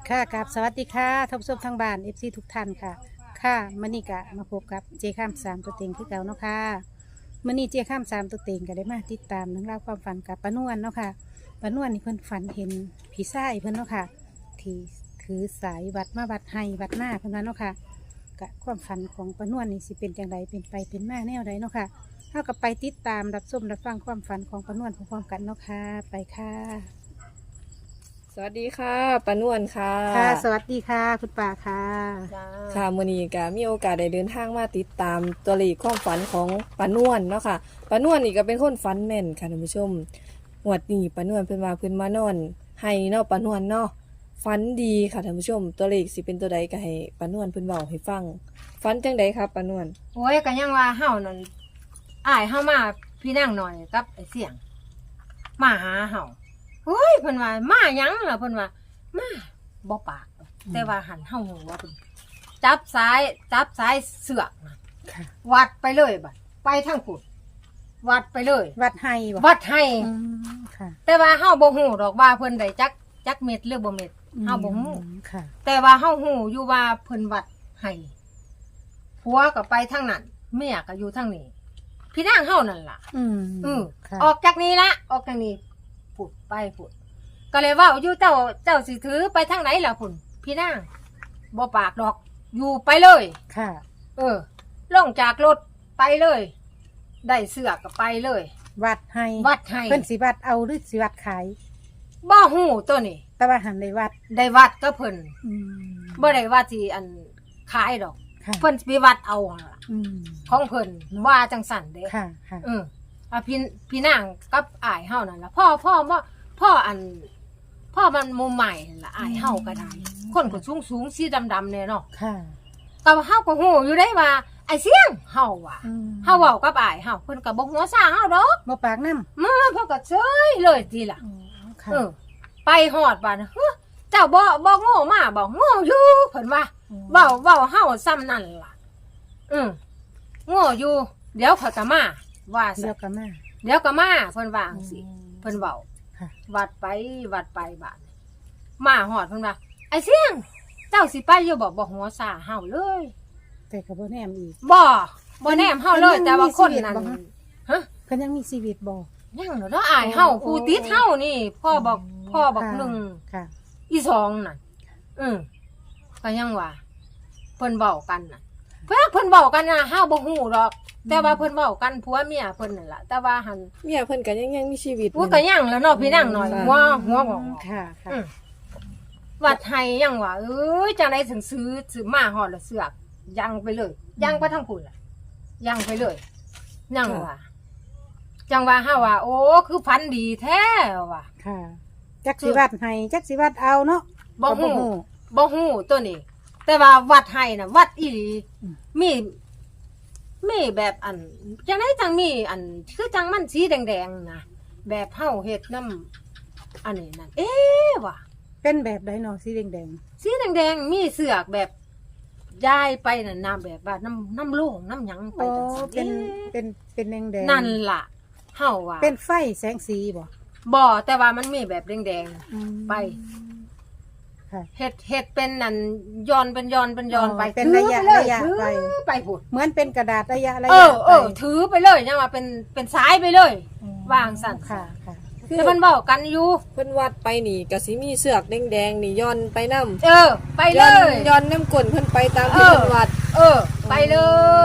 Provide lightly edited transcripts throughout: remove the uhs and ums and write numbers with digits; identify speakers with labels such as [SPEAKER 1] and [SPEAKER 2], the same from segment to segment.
[SPEAKER 1] ค่ะกับสวัสดีค่ะท่านผู้ชมทางบ้านFCทุกท่านค่ะค่ะมื้อนี้ก็มาพบกับเจข้ามสามตัวเต็งคือเก่าเนาะค่ะมื้อนี้เจข้ามสามตัวเต็งก็ได้มาติดตามเรื่องราวความฝันกับป้านวลเนาะค่ะป้านวลนี่เพิ่นฝันเห็นผีทรายเพิ่นเนาะค่ะที่ถือสายวัดมาวัดให้วัดหน้าเพิ่นว่าเนาะค่ะกะความฝันของป้านวลนี่สิเป็นจังไดเป็นไปเป็นมาแนวใดเนาะค่ะเท่ากับไปติดตามรับชมรับฟังความฝันของป้านวลพร้อมๆกันเนาะค่ะไปค่ะ
[SPEAKER 2] สวัสดีค่ะปานวลค่ะ
[SPEAKER 1] ค่ะสวัสดีค่ะคุณป่าค่ะ
[SPEAKER 2] ค่ะมื้อนี้ก็มีโอกาสได้เดินทางมาติดตามตัวเลขความฝันของปานวลเนาะค่ะปานวลนี่ก็เป็นคนฝันแม่นค่ะท่านผู้ชมงวดนี้ปานวลเพิ่นว่าเพิ่นมานอนให้เนาะปานวลเนาะฝันดีค่ะท่านผู้ชม ตัวเลขสิเป็นตัวใดก็ให้ปานวลเพิ่นเว้าให้ฟังฝันจังใดครับปานวล
[SPEAKER 3] โอ้ยก็ยังว่าเฮานั่นอ้ายเฮามาพี่นางหน่อยกับไอ้เสียงมาหาเฮาเฮ้ยเพิ่นว่ามาหยังล่ะเพิ่นว่ามาบ่ปาก แต่ว่าหันเฮาหูว่าเพิ่นจับสายเสือกน่ะ
[SPEAKER 1] ค่ะ
[SPEAKER 3] วัดไปเลยบัดไปทางกุดวัดไปเลย
[SPEAKER 1] วัดให้บ่
[SPEAKER 3] วัดให้
[SPEAKER 1] อืมค่ะ
[SPEAKER 3] แต่ว่าเฮาบ่ฮู้ดอกว่าเพิ่นได้จักเม็ดหรือบ่เม็ดเฮาบ่ฮู้
[SPEAKER 1] ค่ะ
[SPEAKER 3] แต่ว่าเฮาฮู้อยู่ว่าเพิ่นวัดให้ผัวก็ไปทางนั้นเมียก็อยู่ทางนี้พี่นางเฮานั่นล่ะ
[SPEAKER 1] อืมค่ะ
[SPEAKER 3] ออกจากนี้ละออกจากนี้ผุดไปผุดก็เลยว่าอยู่เจ้าสิถือไปทางไหนล่ะพุ่นพี่นางบ่ปากดอกอยู่ไปเลย
[SPEAKER 1] ค่ะ
[SPEAKER 3] ลงจากรถไปเลย ได้เสือก็ไปเลย
[SPEAKER 1] วัดให้
[SPEAKER 3] วัดให้
[SPEAKER 1] เพิ่นสิวัดเอาหรือสิวัดขาย
[SPEAKER 3] บ่ฮู้ตัวนี้
[SPEAKER 1] แต่ว่าหันได้วัด
[SPEAKER 3] ได้วัดก็เพิ่น
[SPEAKER 1] อืม
[SPEAKER 3] บ่ได้ว่าสิอันขายดอก
[SPEAKER 1] ค่ะ
[SPEAKER 3] เพิ่นสิไปวัดเอาหั่นล่ะ
[SPEAKER 1] อืม
[SPEAKER 3] ของเพิ่นว่าจังสั่นเด้
[SPEAKER 1] ค่ะค่ะ
[SPEAKER 3] พี่นางกับอ้ายเฮานั่นล่ะพ่อมันมุมใหม่นั่นล่ะอ้ายเฮาก็ได้คนก็สูงสีดำๆเนี่ยเนาะ
[SPEAKER 1] ค่ะ
[SPEAKER 3] ก็เฮาก็ฮู้อยู่ได้ว่าไอ้เสียงเฮาว่ะ
[SPEAKER 1] อืม
[SPEAKER 3] เฮาเว้ากับอ้ายเฮาเพิ่นก็บ่หัวซ่าเฮาดอก
[SPEAKER 1] บ่ปากน้ำ
[SPEAKER 3] มาเพิ่นก็เฉยเลยทีล่ะ
[SPEAKER 1] อ๋อค่ะ
[SPEAKER 3] ไปฮอดบ้านเฮ้อเจ้าบ่โง่มาบ่โง่อยู่เพิ่นว่าเว้าเฮาซ้ำนั่นล่ะโง่อยู่เดี๋ยวเขาจะมาว่า
[SPEAKER 1] เดี๋
[SPEAKER 3] ซะ
[SPEAKER 1] ยวก็มา
[SPEAKER 3] เดี๋ยวก็มาเพิ่นว่าจังซี่เพิ่นเว้า
[SPEAKER 1] ค่ะ
[SPEAKER 3] วัดไปบ้านมาหอดเพิ่นว่าไอ้เสียง เจ้าสิไปอยู่บ่หัวซาเฮาเลย
[SPEAKER 1] แต่ก็บ่แนมอีก
[SPEAKER 3] บ่แนมเฮาเลย
[SPEAKER 1] เพิ่นยัง
[SPEAKER 3] แต่ว่าคนนั้น
[SPEAKER 1] มีชีวิตบ่ฮะ
[SPEAKER 3] ฮะ
[SPEAKER 1] เพิ่นยังมีชีวิตบ่
[SPEAKER 3] ยังเนาะอายเฮาผู้ติดเฮานี่พ่อบอก
[SPEAKER 1] ค่ะ
[SPEAKER 3] หนึ่ง
[SPEAKER 1] ค่ะ
[SPEAKER 3] อีสองน่ะก็ยังว่าเพิ่นเว้ากันน่ะเพิ่นเว้ากันน่ะเฮาบ่ฮู้ดอก แต่ว่าเพิ่นเว้ากันผัวเมียเพิ่นนั่นล่ะแต่ว่าหัน
[SPEAKER 2] เมียเพิ่นก็ยังมีชีวิต
[SPEAKER 3] อู้ก็ยังแล้วเนาะพี่นางหน่อยหัวบอก
[SPEAKER 1] ค่ะค่ะ
[SPEAKER 3] วัดไทยยังว่าเอ้ยจังได๋ถึงซื้อมาฮอดแล้วเสือกยังไปเลยยังไปทางพุ่นล่ะยังไปเลยยังว่าจังว่าเฮาว่า โอ้คือฝันดีแท้ว่ะ
[SPEAKER 1] ค่ะจักสิวัดให้จักสิวัดเอาเนาะ
[SPEAKER 3] บ่ฮู้
[SPEAKER 1] ก็
[SPEAKER 3] บ่ฮู้ตัวนี้ แต่ว่าวัดไทยน่ะวัดอีหลี
[SPEAKER 1] อืม
[SPEAKER 3] มีแบบอันจังได๋จังมีอันคือจังมันสีแดงๆนะแบบเฮาเฮ็ดน้ำอันนี้นั่นว่ะ
[SPEAKER 1] เป็นแบบไดเนาะสีแดง
[SPEAKER 3] สีแดงๆมีเสือกแบบย้ายไปน่ะน้ำแบบว่าน้ำโล่งน้ำหยัง
[SPEAKER 1] ๆ
[SPEAKER 3] ไป
[SPEAKER 1] อ๋อ
[SPEAKER 3] จังซี่
[SPEAKER 1] เป็นแดงๆ
[SPEAKER 3] นั่นล่ะเฮาว่า
[SPEAKER 1] เป็นไฟแสงสีบ่
[SPEAKER 3] บ่แต่ว่ามันมีแบบแดง
[SPEAKER 1] อืม
[SPEAKER 3] ไป
[SPEAKER 1] ค่ะ
[SPEAKER 3] ๆเฮ็ดเป็นนั่นย้อนเป็นย้อนเป็นย้อนไป
[SPEAKER 1] เป็น
[SPEAKER 3] ถือ
[SPEAKER 1] ระยะ
[SPEAKER 3] ไปเลย
[SPEAKER 1] ระยะ
[SPEAKER 3] ถือ
[SPEAKER 1] ไป
[SPEAKER 3] ไปพูด
[SPEAKER 1] เหมือนเป็นกระดาษระยะไป
[SPEAKER 3] ถือไปเลยยังว่าเป็นสายไปเลย วางสั่น
[SPEAKER 1] ค่ะค่ะ
[SPEAKER 2] คือ
[SPEAKER 3] แต่มันเว้ากันอยู่
[SPEAKER 2] เพิ่นวัดไปนี่ก็สิมีเสือกแดงๆนี่ย้อนไปนำ
[SPEAKER 3] ไปเลย
[SPEAKER 2] ย้อนน้ำกลนเพิ่นไปตามที่เพิ่นวัด
[SPEAKER 3] ไปเลย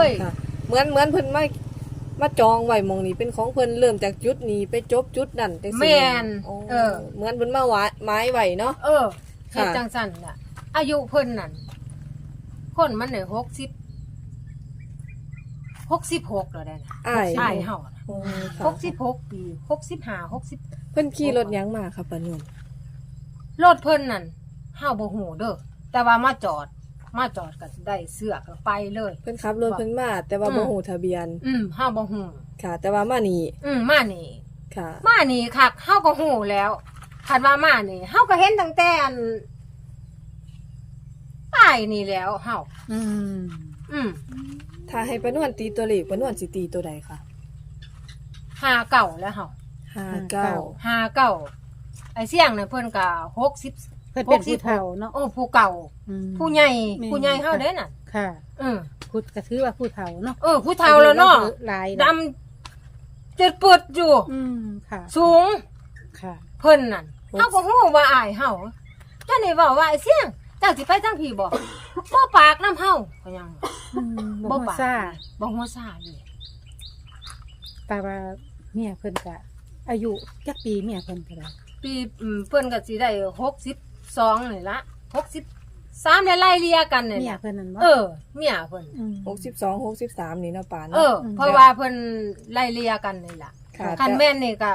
[SPEAKER 2] ค่ะเหมือนเพิ่นมาจองไว้หมองนี้เป็นของเพิ่นเริ่มจากจุดนี้ไปจบจุดนั่นจังซี่
[SPEAKER 3] แม่น
[SPEAKER 2] โอ้
[SPEAKER 3] เออ
[SPEAKER 2] เหมือนเพิ่นมาไม้ไว้เนาะ
[SPEAKER 3] เฮ็ดจังสั่นน่ะ อายุเพิ่นนั่นคนมันเนี่ย66แล้วได้นะ
[SPEAKER 2] อ้าย
[SPEAKER 3] ใช่เฮาน่ะ
[SPEAKER 2] โอ้ค่ะ
[SPEAKER 3] 66 ปี65
[SPEAKER 2] เพิ่นขี่รถหยังมาครับปานวล
[SPEAKER 3] 60รถเพิ่นนั่นเฮาบ่ฮู้เด้อแต่ว่ามาจอดก็ได้เสื้อก็ไปเลย
[SPEAKER 2] เพิ่นขับรถเพิ่นมาแต่ว่าบ่ฮู้ทะเบียน
[SPEAKER 3] เฮาบ่ฮู้
[SPEAKER 2] ค่ะ แต่ว่ามานี่
[SPEAKER 3] มานี่
[SPEAKER 2] ค่ะ
[SPEAKER 3] มานี่คักเฮาก็ฮู้แล้วคันว่ามานี่เฮาก็เห็นตั้งแต่อันป้ายนี่แล้วเฮา
[SPEAKER 1] อืม
[SPEAKER 2] ถ้าให้ปานวลตีตัวเลขปานวลสิตีตัวใดคะ
[SPEAKER 3] 59แล้วเฮา
[SPEAKER 2] 59
[SPEAKER 3] 59ไอ้เสี่ยงน่ะเพิ่นก็
[SPEAKER 1] เพิ่นเป็นผู้เฒ่าเนาะ
[SPEAKER 3] โอ้ผู้เก่า
[SPEAKER 1] อืม
[SPEAKER 3] ผู้ใหญ่
[SPEAKER 1] แม่น
[SPEAKER 3] ผู้ใหญ่เฮาเด้น่ะ
[SPEAKER 1] ค่ะ
[SPEAKER 3] อือ
[SPEAKER 1] ก็ถือว่าผู้เฒ่าเนาะ
[SPEAKER 3] ผู้เฒ่าแล้วเนาะ
[SPEAKER 1] หลาย
[SPEAKER 3] ดำจะปวดอยู่
[SPEAKER 1] ค่ะ
[SPEAKER 3] สูง
[SPEAKER 1] ค่ะ
[SPEAKER 3] เพิ่นนั่นเฮาก็ฮู้ว่าอายเฮาเจ้านี่เว้าว่าไอ้เสี่ยงเจ้าสิไปทางพี่บ่บ่ปากน้ำเฮาก็ยัง
[SPEAKER 1] บ่ฮู้ซ่า
[SPEAKER 3] บ่ฮู้ซ่าเลย
[SPEAKER 1] แต่ว่าเมียเพิ่นก็อายุจักปีเมียเพิ่นก็ได้
[SPEAKER 3] ปีเพิ่นก็สิได้62นี่ละ63ได้ไล่เลี่ยกันนี่
[SPEAKER 1] เมีย
[SPEAKER 3] ล่ะ
[SPEAKER 1] เพิ่นนั่นบ่
[SPEAKER 3] เมียเพิ่น
[SPEAKER 1] ม
[SPEAKER 2] 62 63นี่เนาะป่า
[SPEAKER 3] เอ
[SPEAKER 2] เนาะ
[SPEAKER 3] อ เพราะว่าเพิ่นไล่เลี่ยกันนี่ล่ะ
[SPEAKER 2] ค่ะ
[SPEAKER 3] คันแม่นนี่ก็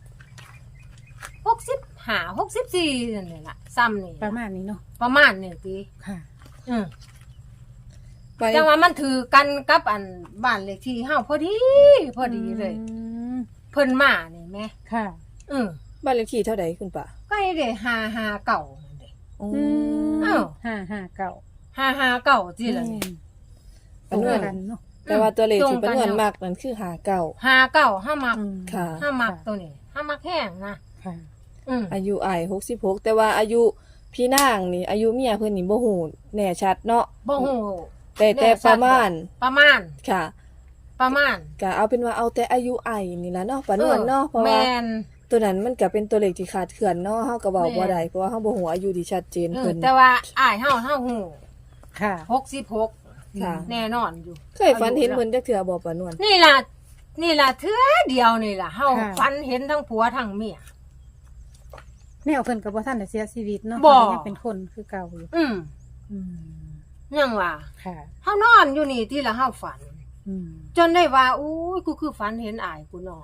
[SPEAKER 3] 65 64นั่นนี่ล่ะซ้ำนี่
[SPEAKER 1] ประมาณนี้เนาะ
[SPEAKER 3] ประมาณนี่ติ
[SPEAKER 1] ค่ะ
[SPEAKER 3] อือ
[SPEAKER 2] ไป
[SPEAKER 3] จังว่ามันถือกันกับอันบ้านเลขที่เฮาพอดีเลย เพิ่นมานี่แหม่
[SPEAKER 1] ค่ะ
[SPEAKER 3] อือ
[SPEAKER 2] บ้านเลขที่เท่าใดคุณป่า
[SPEAKER 3] ก็ให้ได้559นั่นเด้
[SPEAKER 2] อ๋อ
[SPEAKER 3] อ้าว
[SPEAKER 1] 559
[SPEAKER 3] 559จิล่ะนี่
[SPEAKER 1] ตรงกันเนาะ
[SPEAKER 2] แต่ว่าตัวเลข
[SPEAKER 3] ตร
[SPEAKER 2] ที่
[SPEAKER 3] งกัน
[SPEAKER 2] ปานวน
[SPEAKER 3] เนาะ
[SPEAKER 2] มักนั่นคือ59
[SPEAKER 3] 59ห้ามัก
[SPEAKER 2] ค่ะ
[SPEAKER 3] ห้ามักตัวนี้ห้ามักแห้งนะ
[SPEAKER 1] ค่ะ
[SPEAKER 2] อายุอ้าย66แต่ว่าอายุพี่นางนี่อายุเมียเพิ่นนี่บ่ฮู้แน่ชัดเนาะ
[SPEAKER 3] บ่ฮู้
[SPEAKER 2] แต่
[SPEAKER 3] แน่ชัด
[SPEAKER 2] ประมาณ
[SPEAKER 3] ประมาณ
[SPEAKER 2] ค่ะ
[SPEAKER 3] ประมาณ
[SPEAKER 2] ก็เอาเป็นว่าเอาแต่อายุอ้ายนี่ล่ะเนาะปานวนเนาะเพราะว่า
[SPEAKER 3] แม่น
[SPEAKER 2] ตัวนั้นมันก็เป็นตัวเลขที่ขาดเขื่อนเนาะเฮาก็เว้า
[SPEAKER 3] แม่
[SPEAKER 2] บ่ได้เพราะว่าเฮาบ่ฮู้อายุที่ชัดเจนเพิ่น
[SPEAKER 3] แต่ว่าอ้ายเฮาฮู้
[SPEAKER 1] ค่ะ
[SPEAKER 3] 66
[SPEAKER 2] ค่ะ
[SPEAKER 3] แน่นอนอยู่
[SPEAKER 2] เคยฝันเห็นเพิ่นจักเทื่อบ่ปานวน
[SPEAKER 3] นี่ล่ะเทื่อเดียวนี่ล่ะเฮา
[SPEAKER 1] ค่ะ
[SPEAKER 3] ฝันเห็นทั้งผัวทั้งเมีย
[SPEAKER 1] แนวเพิ่นก็บ่ทันได้เสียชีวิตเนาะ
[SPEAKER 3] บ่
[SPEAKER 1] เพิ่นยังเป็นคนคือเก่าอยู่
[SPEAKER 3] อืม
[SPEAKER 1] อืม
[SPEAKER 3] ยังว่า
[SPEAKER 1] ค่ะ
[SPEAKER 3] เฮานอนอยู่นี่ที่ละเฮาฝัน
[SPEAKER 1] อืม
[SPEAKER 3] จนได้ว่าอู้ยกูคือฝันเห็นอ้ายกูนอน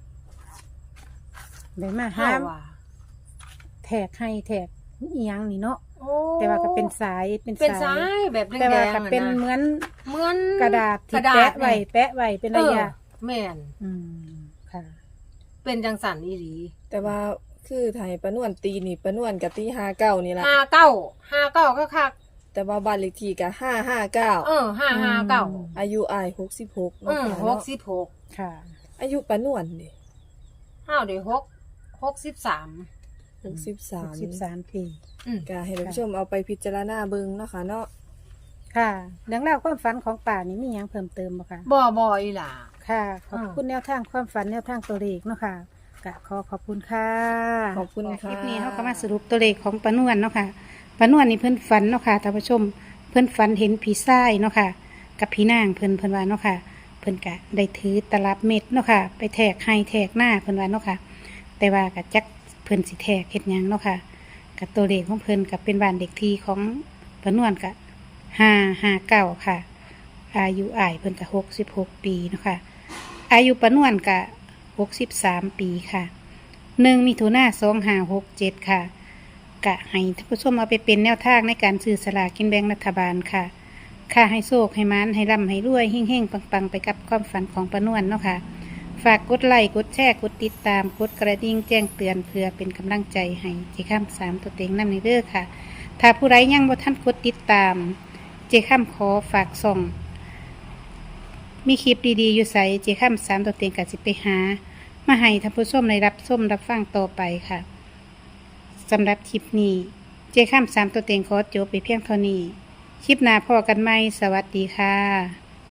[SPEAKER 1] ได้มา
[SPEAKER 3] เฮา
[SPEAKER 1] ห้าม
[SPEAKER 3] ว่า
[SPEAKER 1] แทกให้แทกอีหยังนี่เนาะ
[SPEAKER 3] โอ้
[SPEAKER 1] แต่ว่าก็เป็นสาย
[SPEAKER 3] เป็นสายแบบแดงๆ
[SPEAKER 1] แต่ว่าก็
[SPEAKER 3] อะะ
[SPEAKER 1] เป็นเหมือน
[SPEAKER 3] เหมือน
[SPEAKER 1] กระดาษที่
[SPEAKER 3] กระดาษ
[SPEAKER 1] แปะไว้แปะไว้เป็นระยะ
[SPEAKER 3] แม่น
[SPEAKER 1] อืมค่ะ
[SPEAKER 3] เป็นจังสันอีหลี
[SPEAKER 2] แต่ว่าคือไทยปานวนตีนี่ปานวนก็ตี59นี่ล่ะ
[SPEAKER 3] 59ก็คัก
[SPEAKER 2] แต่ว่าบ้านเลขที่ก็559
[SPEAKER 3] 559
[SPEAKER 2] อายุอ้าย66เนาะค่ะเนาะ
[SPEAKER 3] 66
[SPEAKER 1] ค่ะ
[SPEAKER 2] อายุปานวนนี่
[SPEAKER 3] เฮาได้63
[SPEAKER 2] 63
[SPEAKER 1] ปี
[SPEAKER 2] ก็ให้ท่านผู้ชมเอาไปพิจารณาเบิ่งเนาะค่ะเนาะ
[SPEAKER 1] ค่ะเรื่องราวความฝันของป่านี่มีหยังเพิ่มเติมบ่คะ
[SPEAKER 3] บ่อีหล่ะ
[SPEAKER 1] ค่ะ ขอบคุณแนวทางความฝันแนวทางตัวเลขเนาะค่ะกะขอบคุณค่ะ
[SPEAKER 2] ขอบคุณค่ะ
[SPEAKER 1] คลิปนี้เขาก็มาสรุปตัวเลขของปานวนเนาะค่ะปานวนนี่เพิ่นฝันเนาะค่ะท่านผู้ชม เพิ่นฝันเห็นผีทรายเนาะค่ะ กับผีนางเพิ่นว่าเนาะค่ะ เพิ่นกะได้ถือตลับเม็ดเนาะค่ะ ไปแทกให้แทกหน้าเพิ่นว่าเนาะค่ะ แต่ว่ากะจักเพิ่นสิแทกเฮ็ดหยังเนาะค่ะกับตัวเลขของเพิ่นกับเป็นบ้านเด็กทีของปานวนกะ559ค่ะ อายุอ้ายเพิ่นกะ66 ปีเนาะค่ะ อายุปานวนกะ63 ปีค่ะ1 มิถุนายน 2567 ค่ะ กะให้ท่านผู้ชมเอาไปเป็นแนวทางในการซื้อสลากกินแบ่งรัฐบาลค่ะ ค่ะให้โชคให้มันให้ร่ำให้รวยเฮ่งๆปังๆไปกับความฝันของปานวนเนาะค่ะ ฝากกดไลค์กดแชร์กดติดตามกดกระดิ่งแจ้งเตือนเพื่อเป็นกำลังใจให้เจข้าม3ตัวเต็งนำในเด้อค่ะ ถ้าผู้ใดยังบ่ทันกดติดตาม เจข้ามขอฝากส่อง มีคลิปดีๆอยู่ใสเจข้าม3ตัวเต็งก็สิไปหา มาให้ท่านผู้ชมได้รับชมรับฟังต่อไปค่ะสำหรับคลิปนี้ เจข้าม3ตัวเต็งขอจบไปเพียงเท่านี้ คลิปหน้าพอกันไหมสวัสดีค่ะ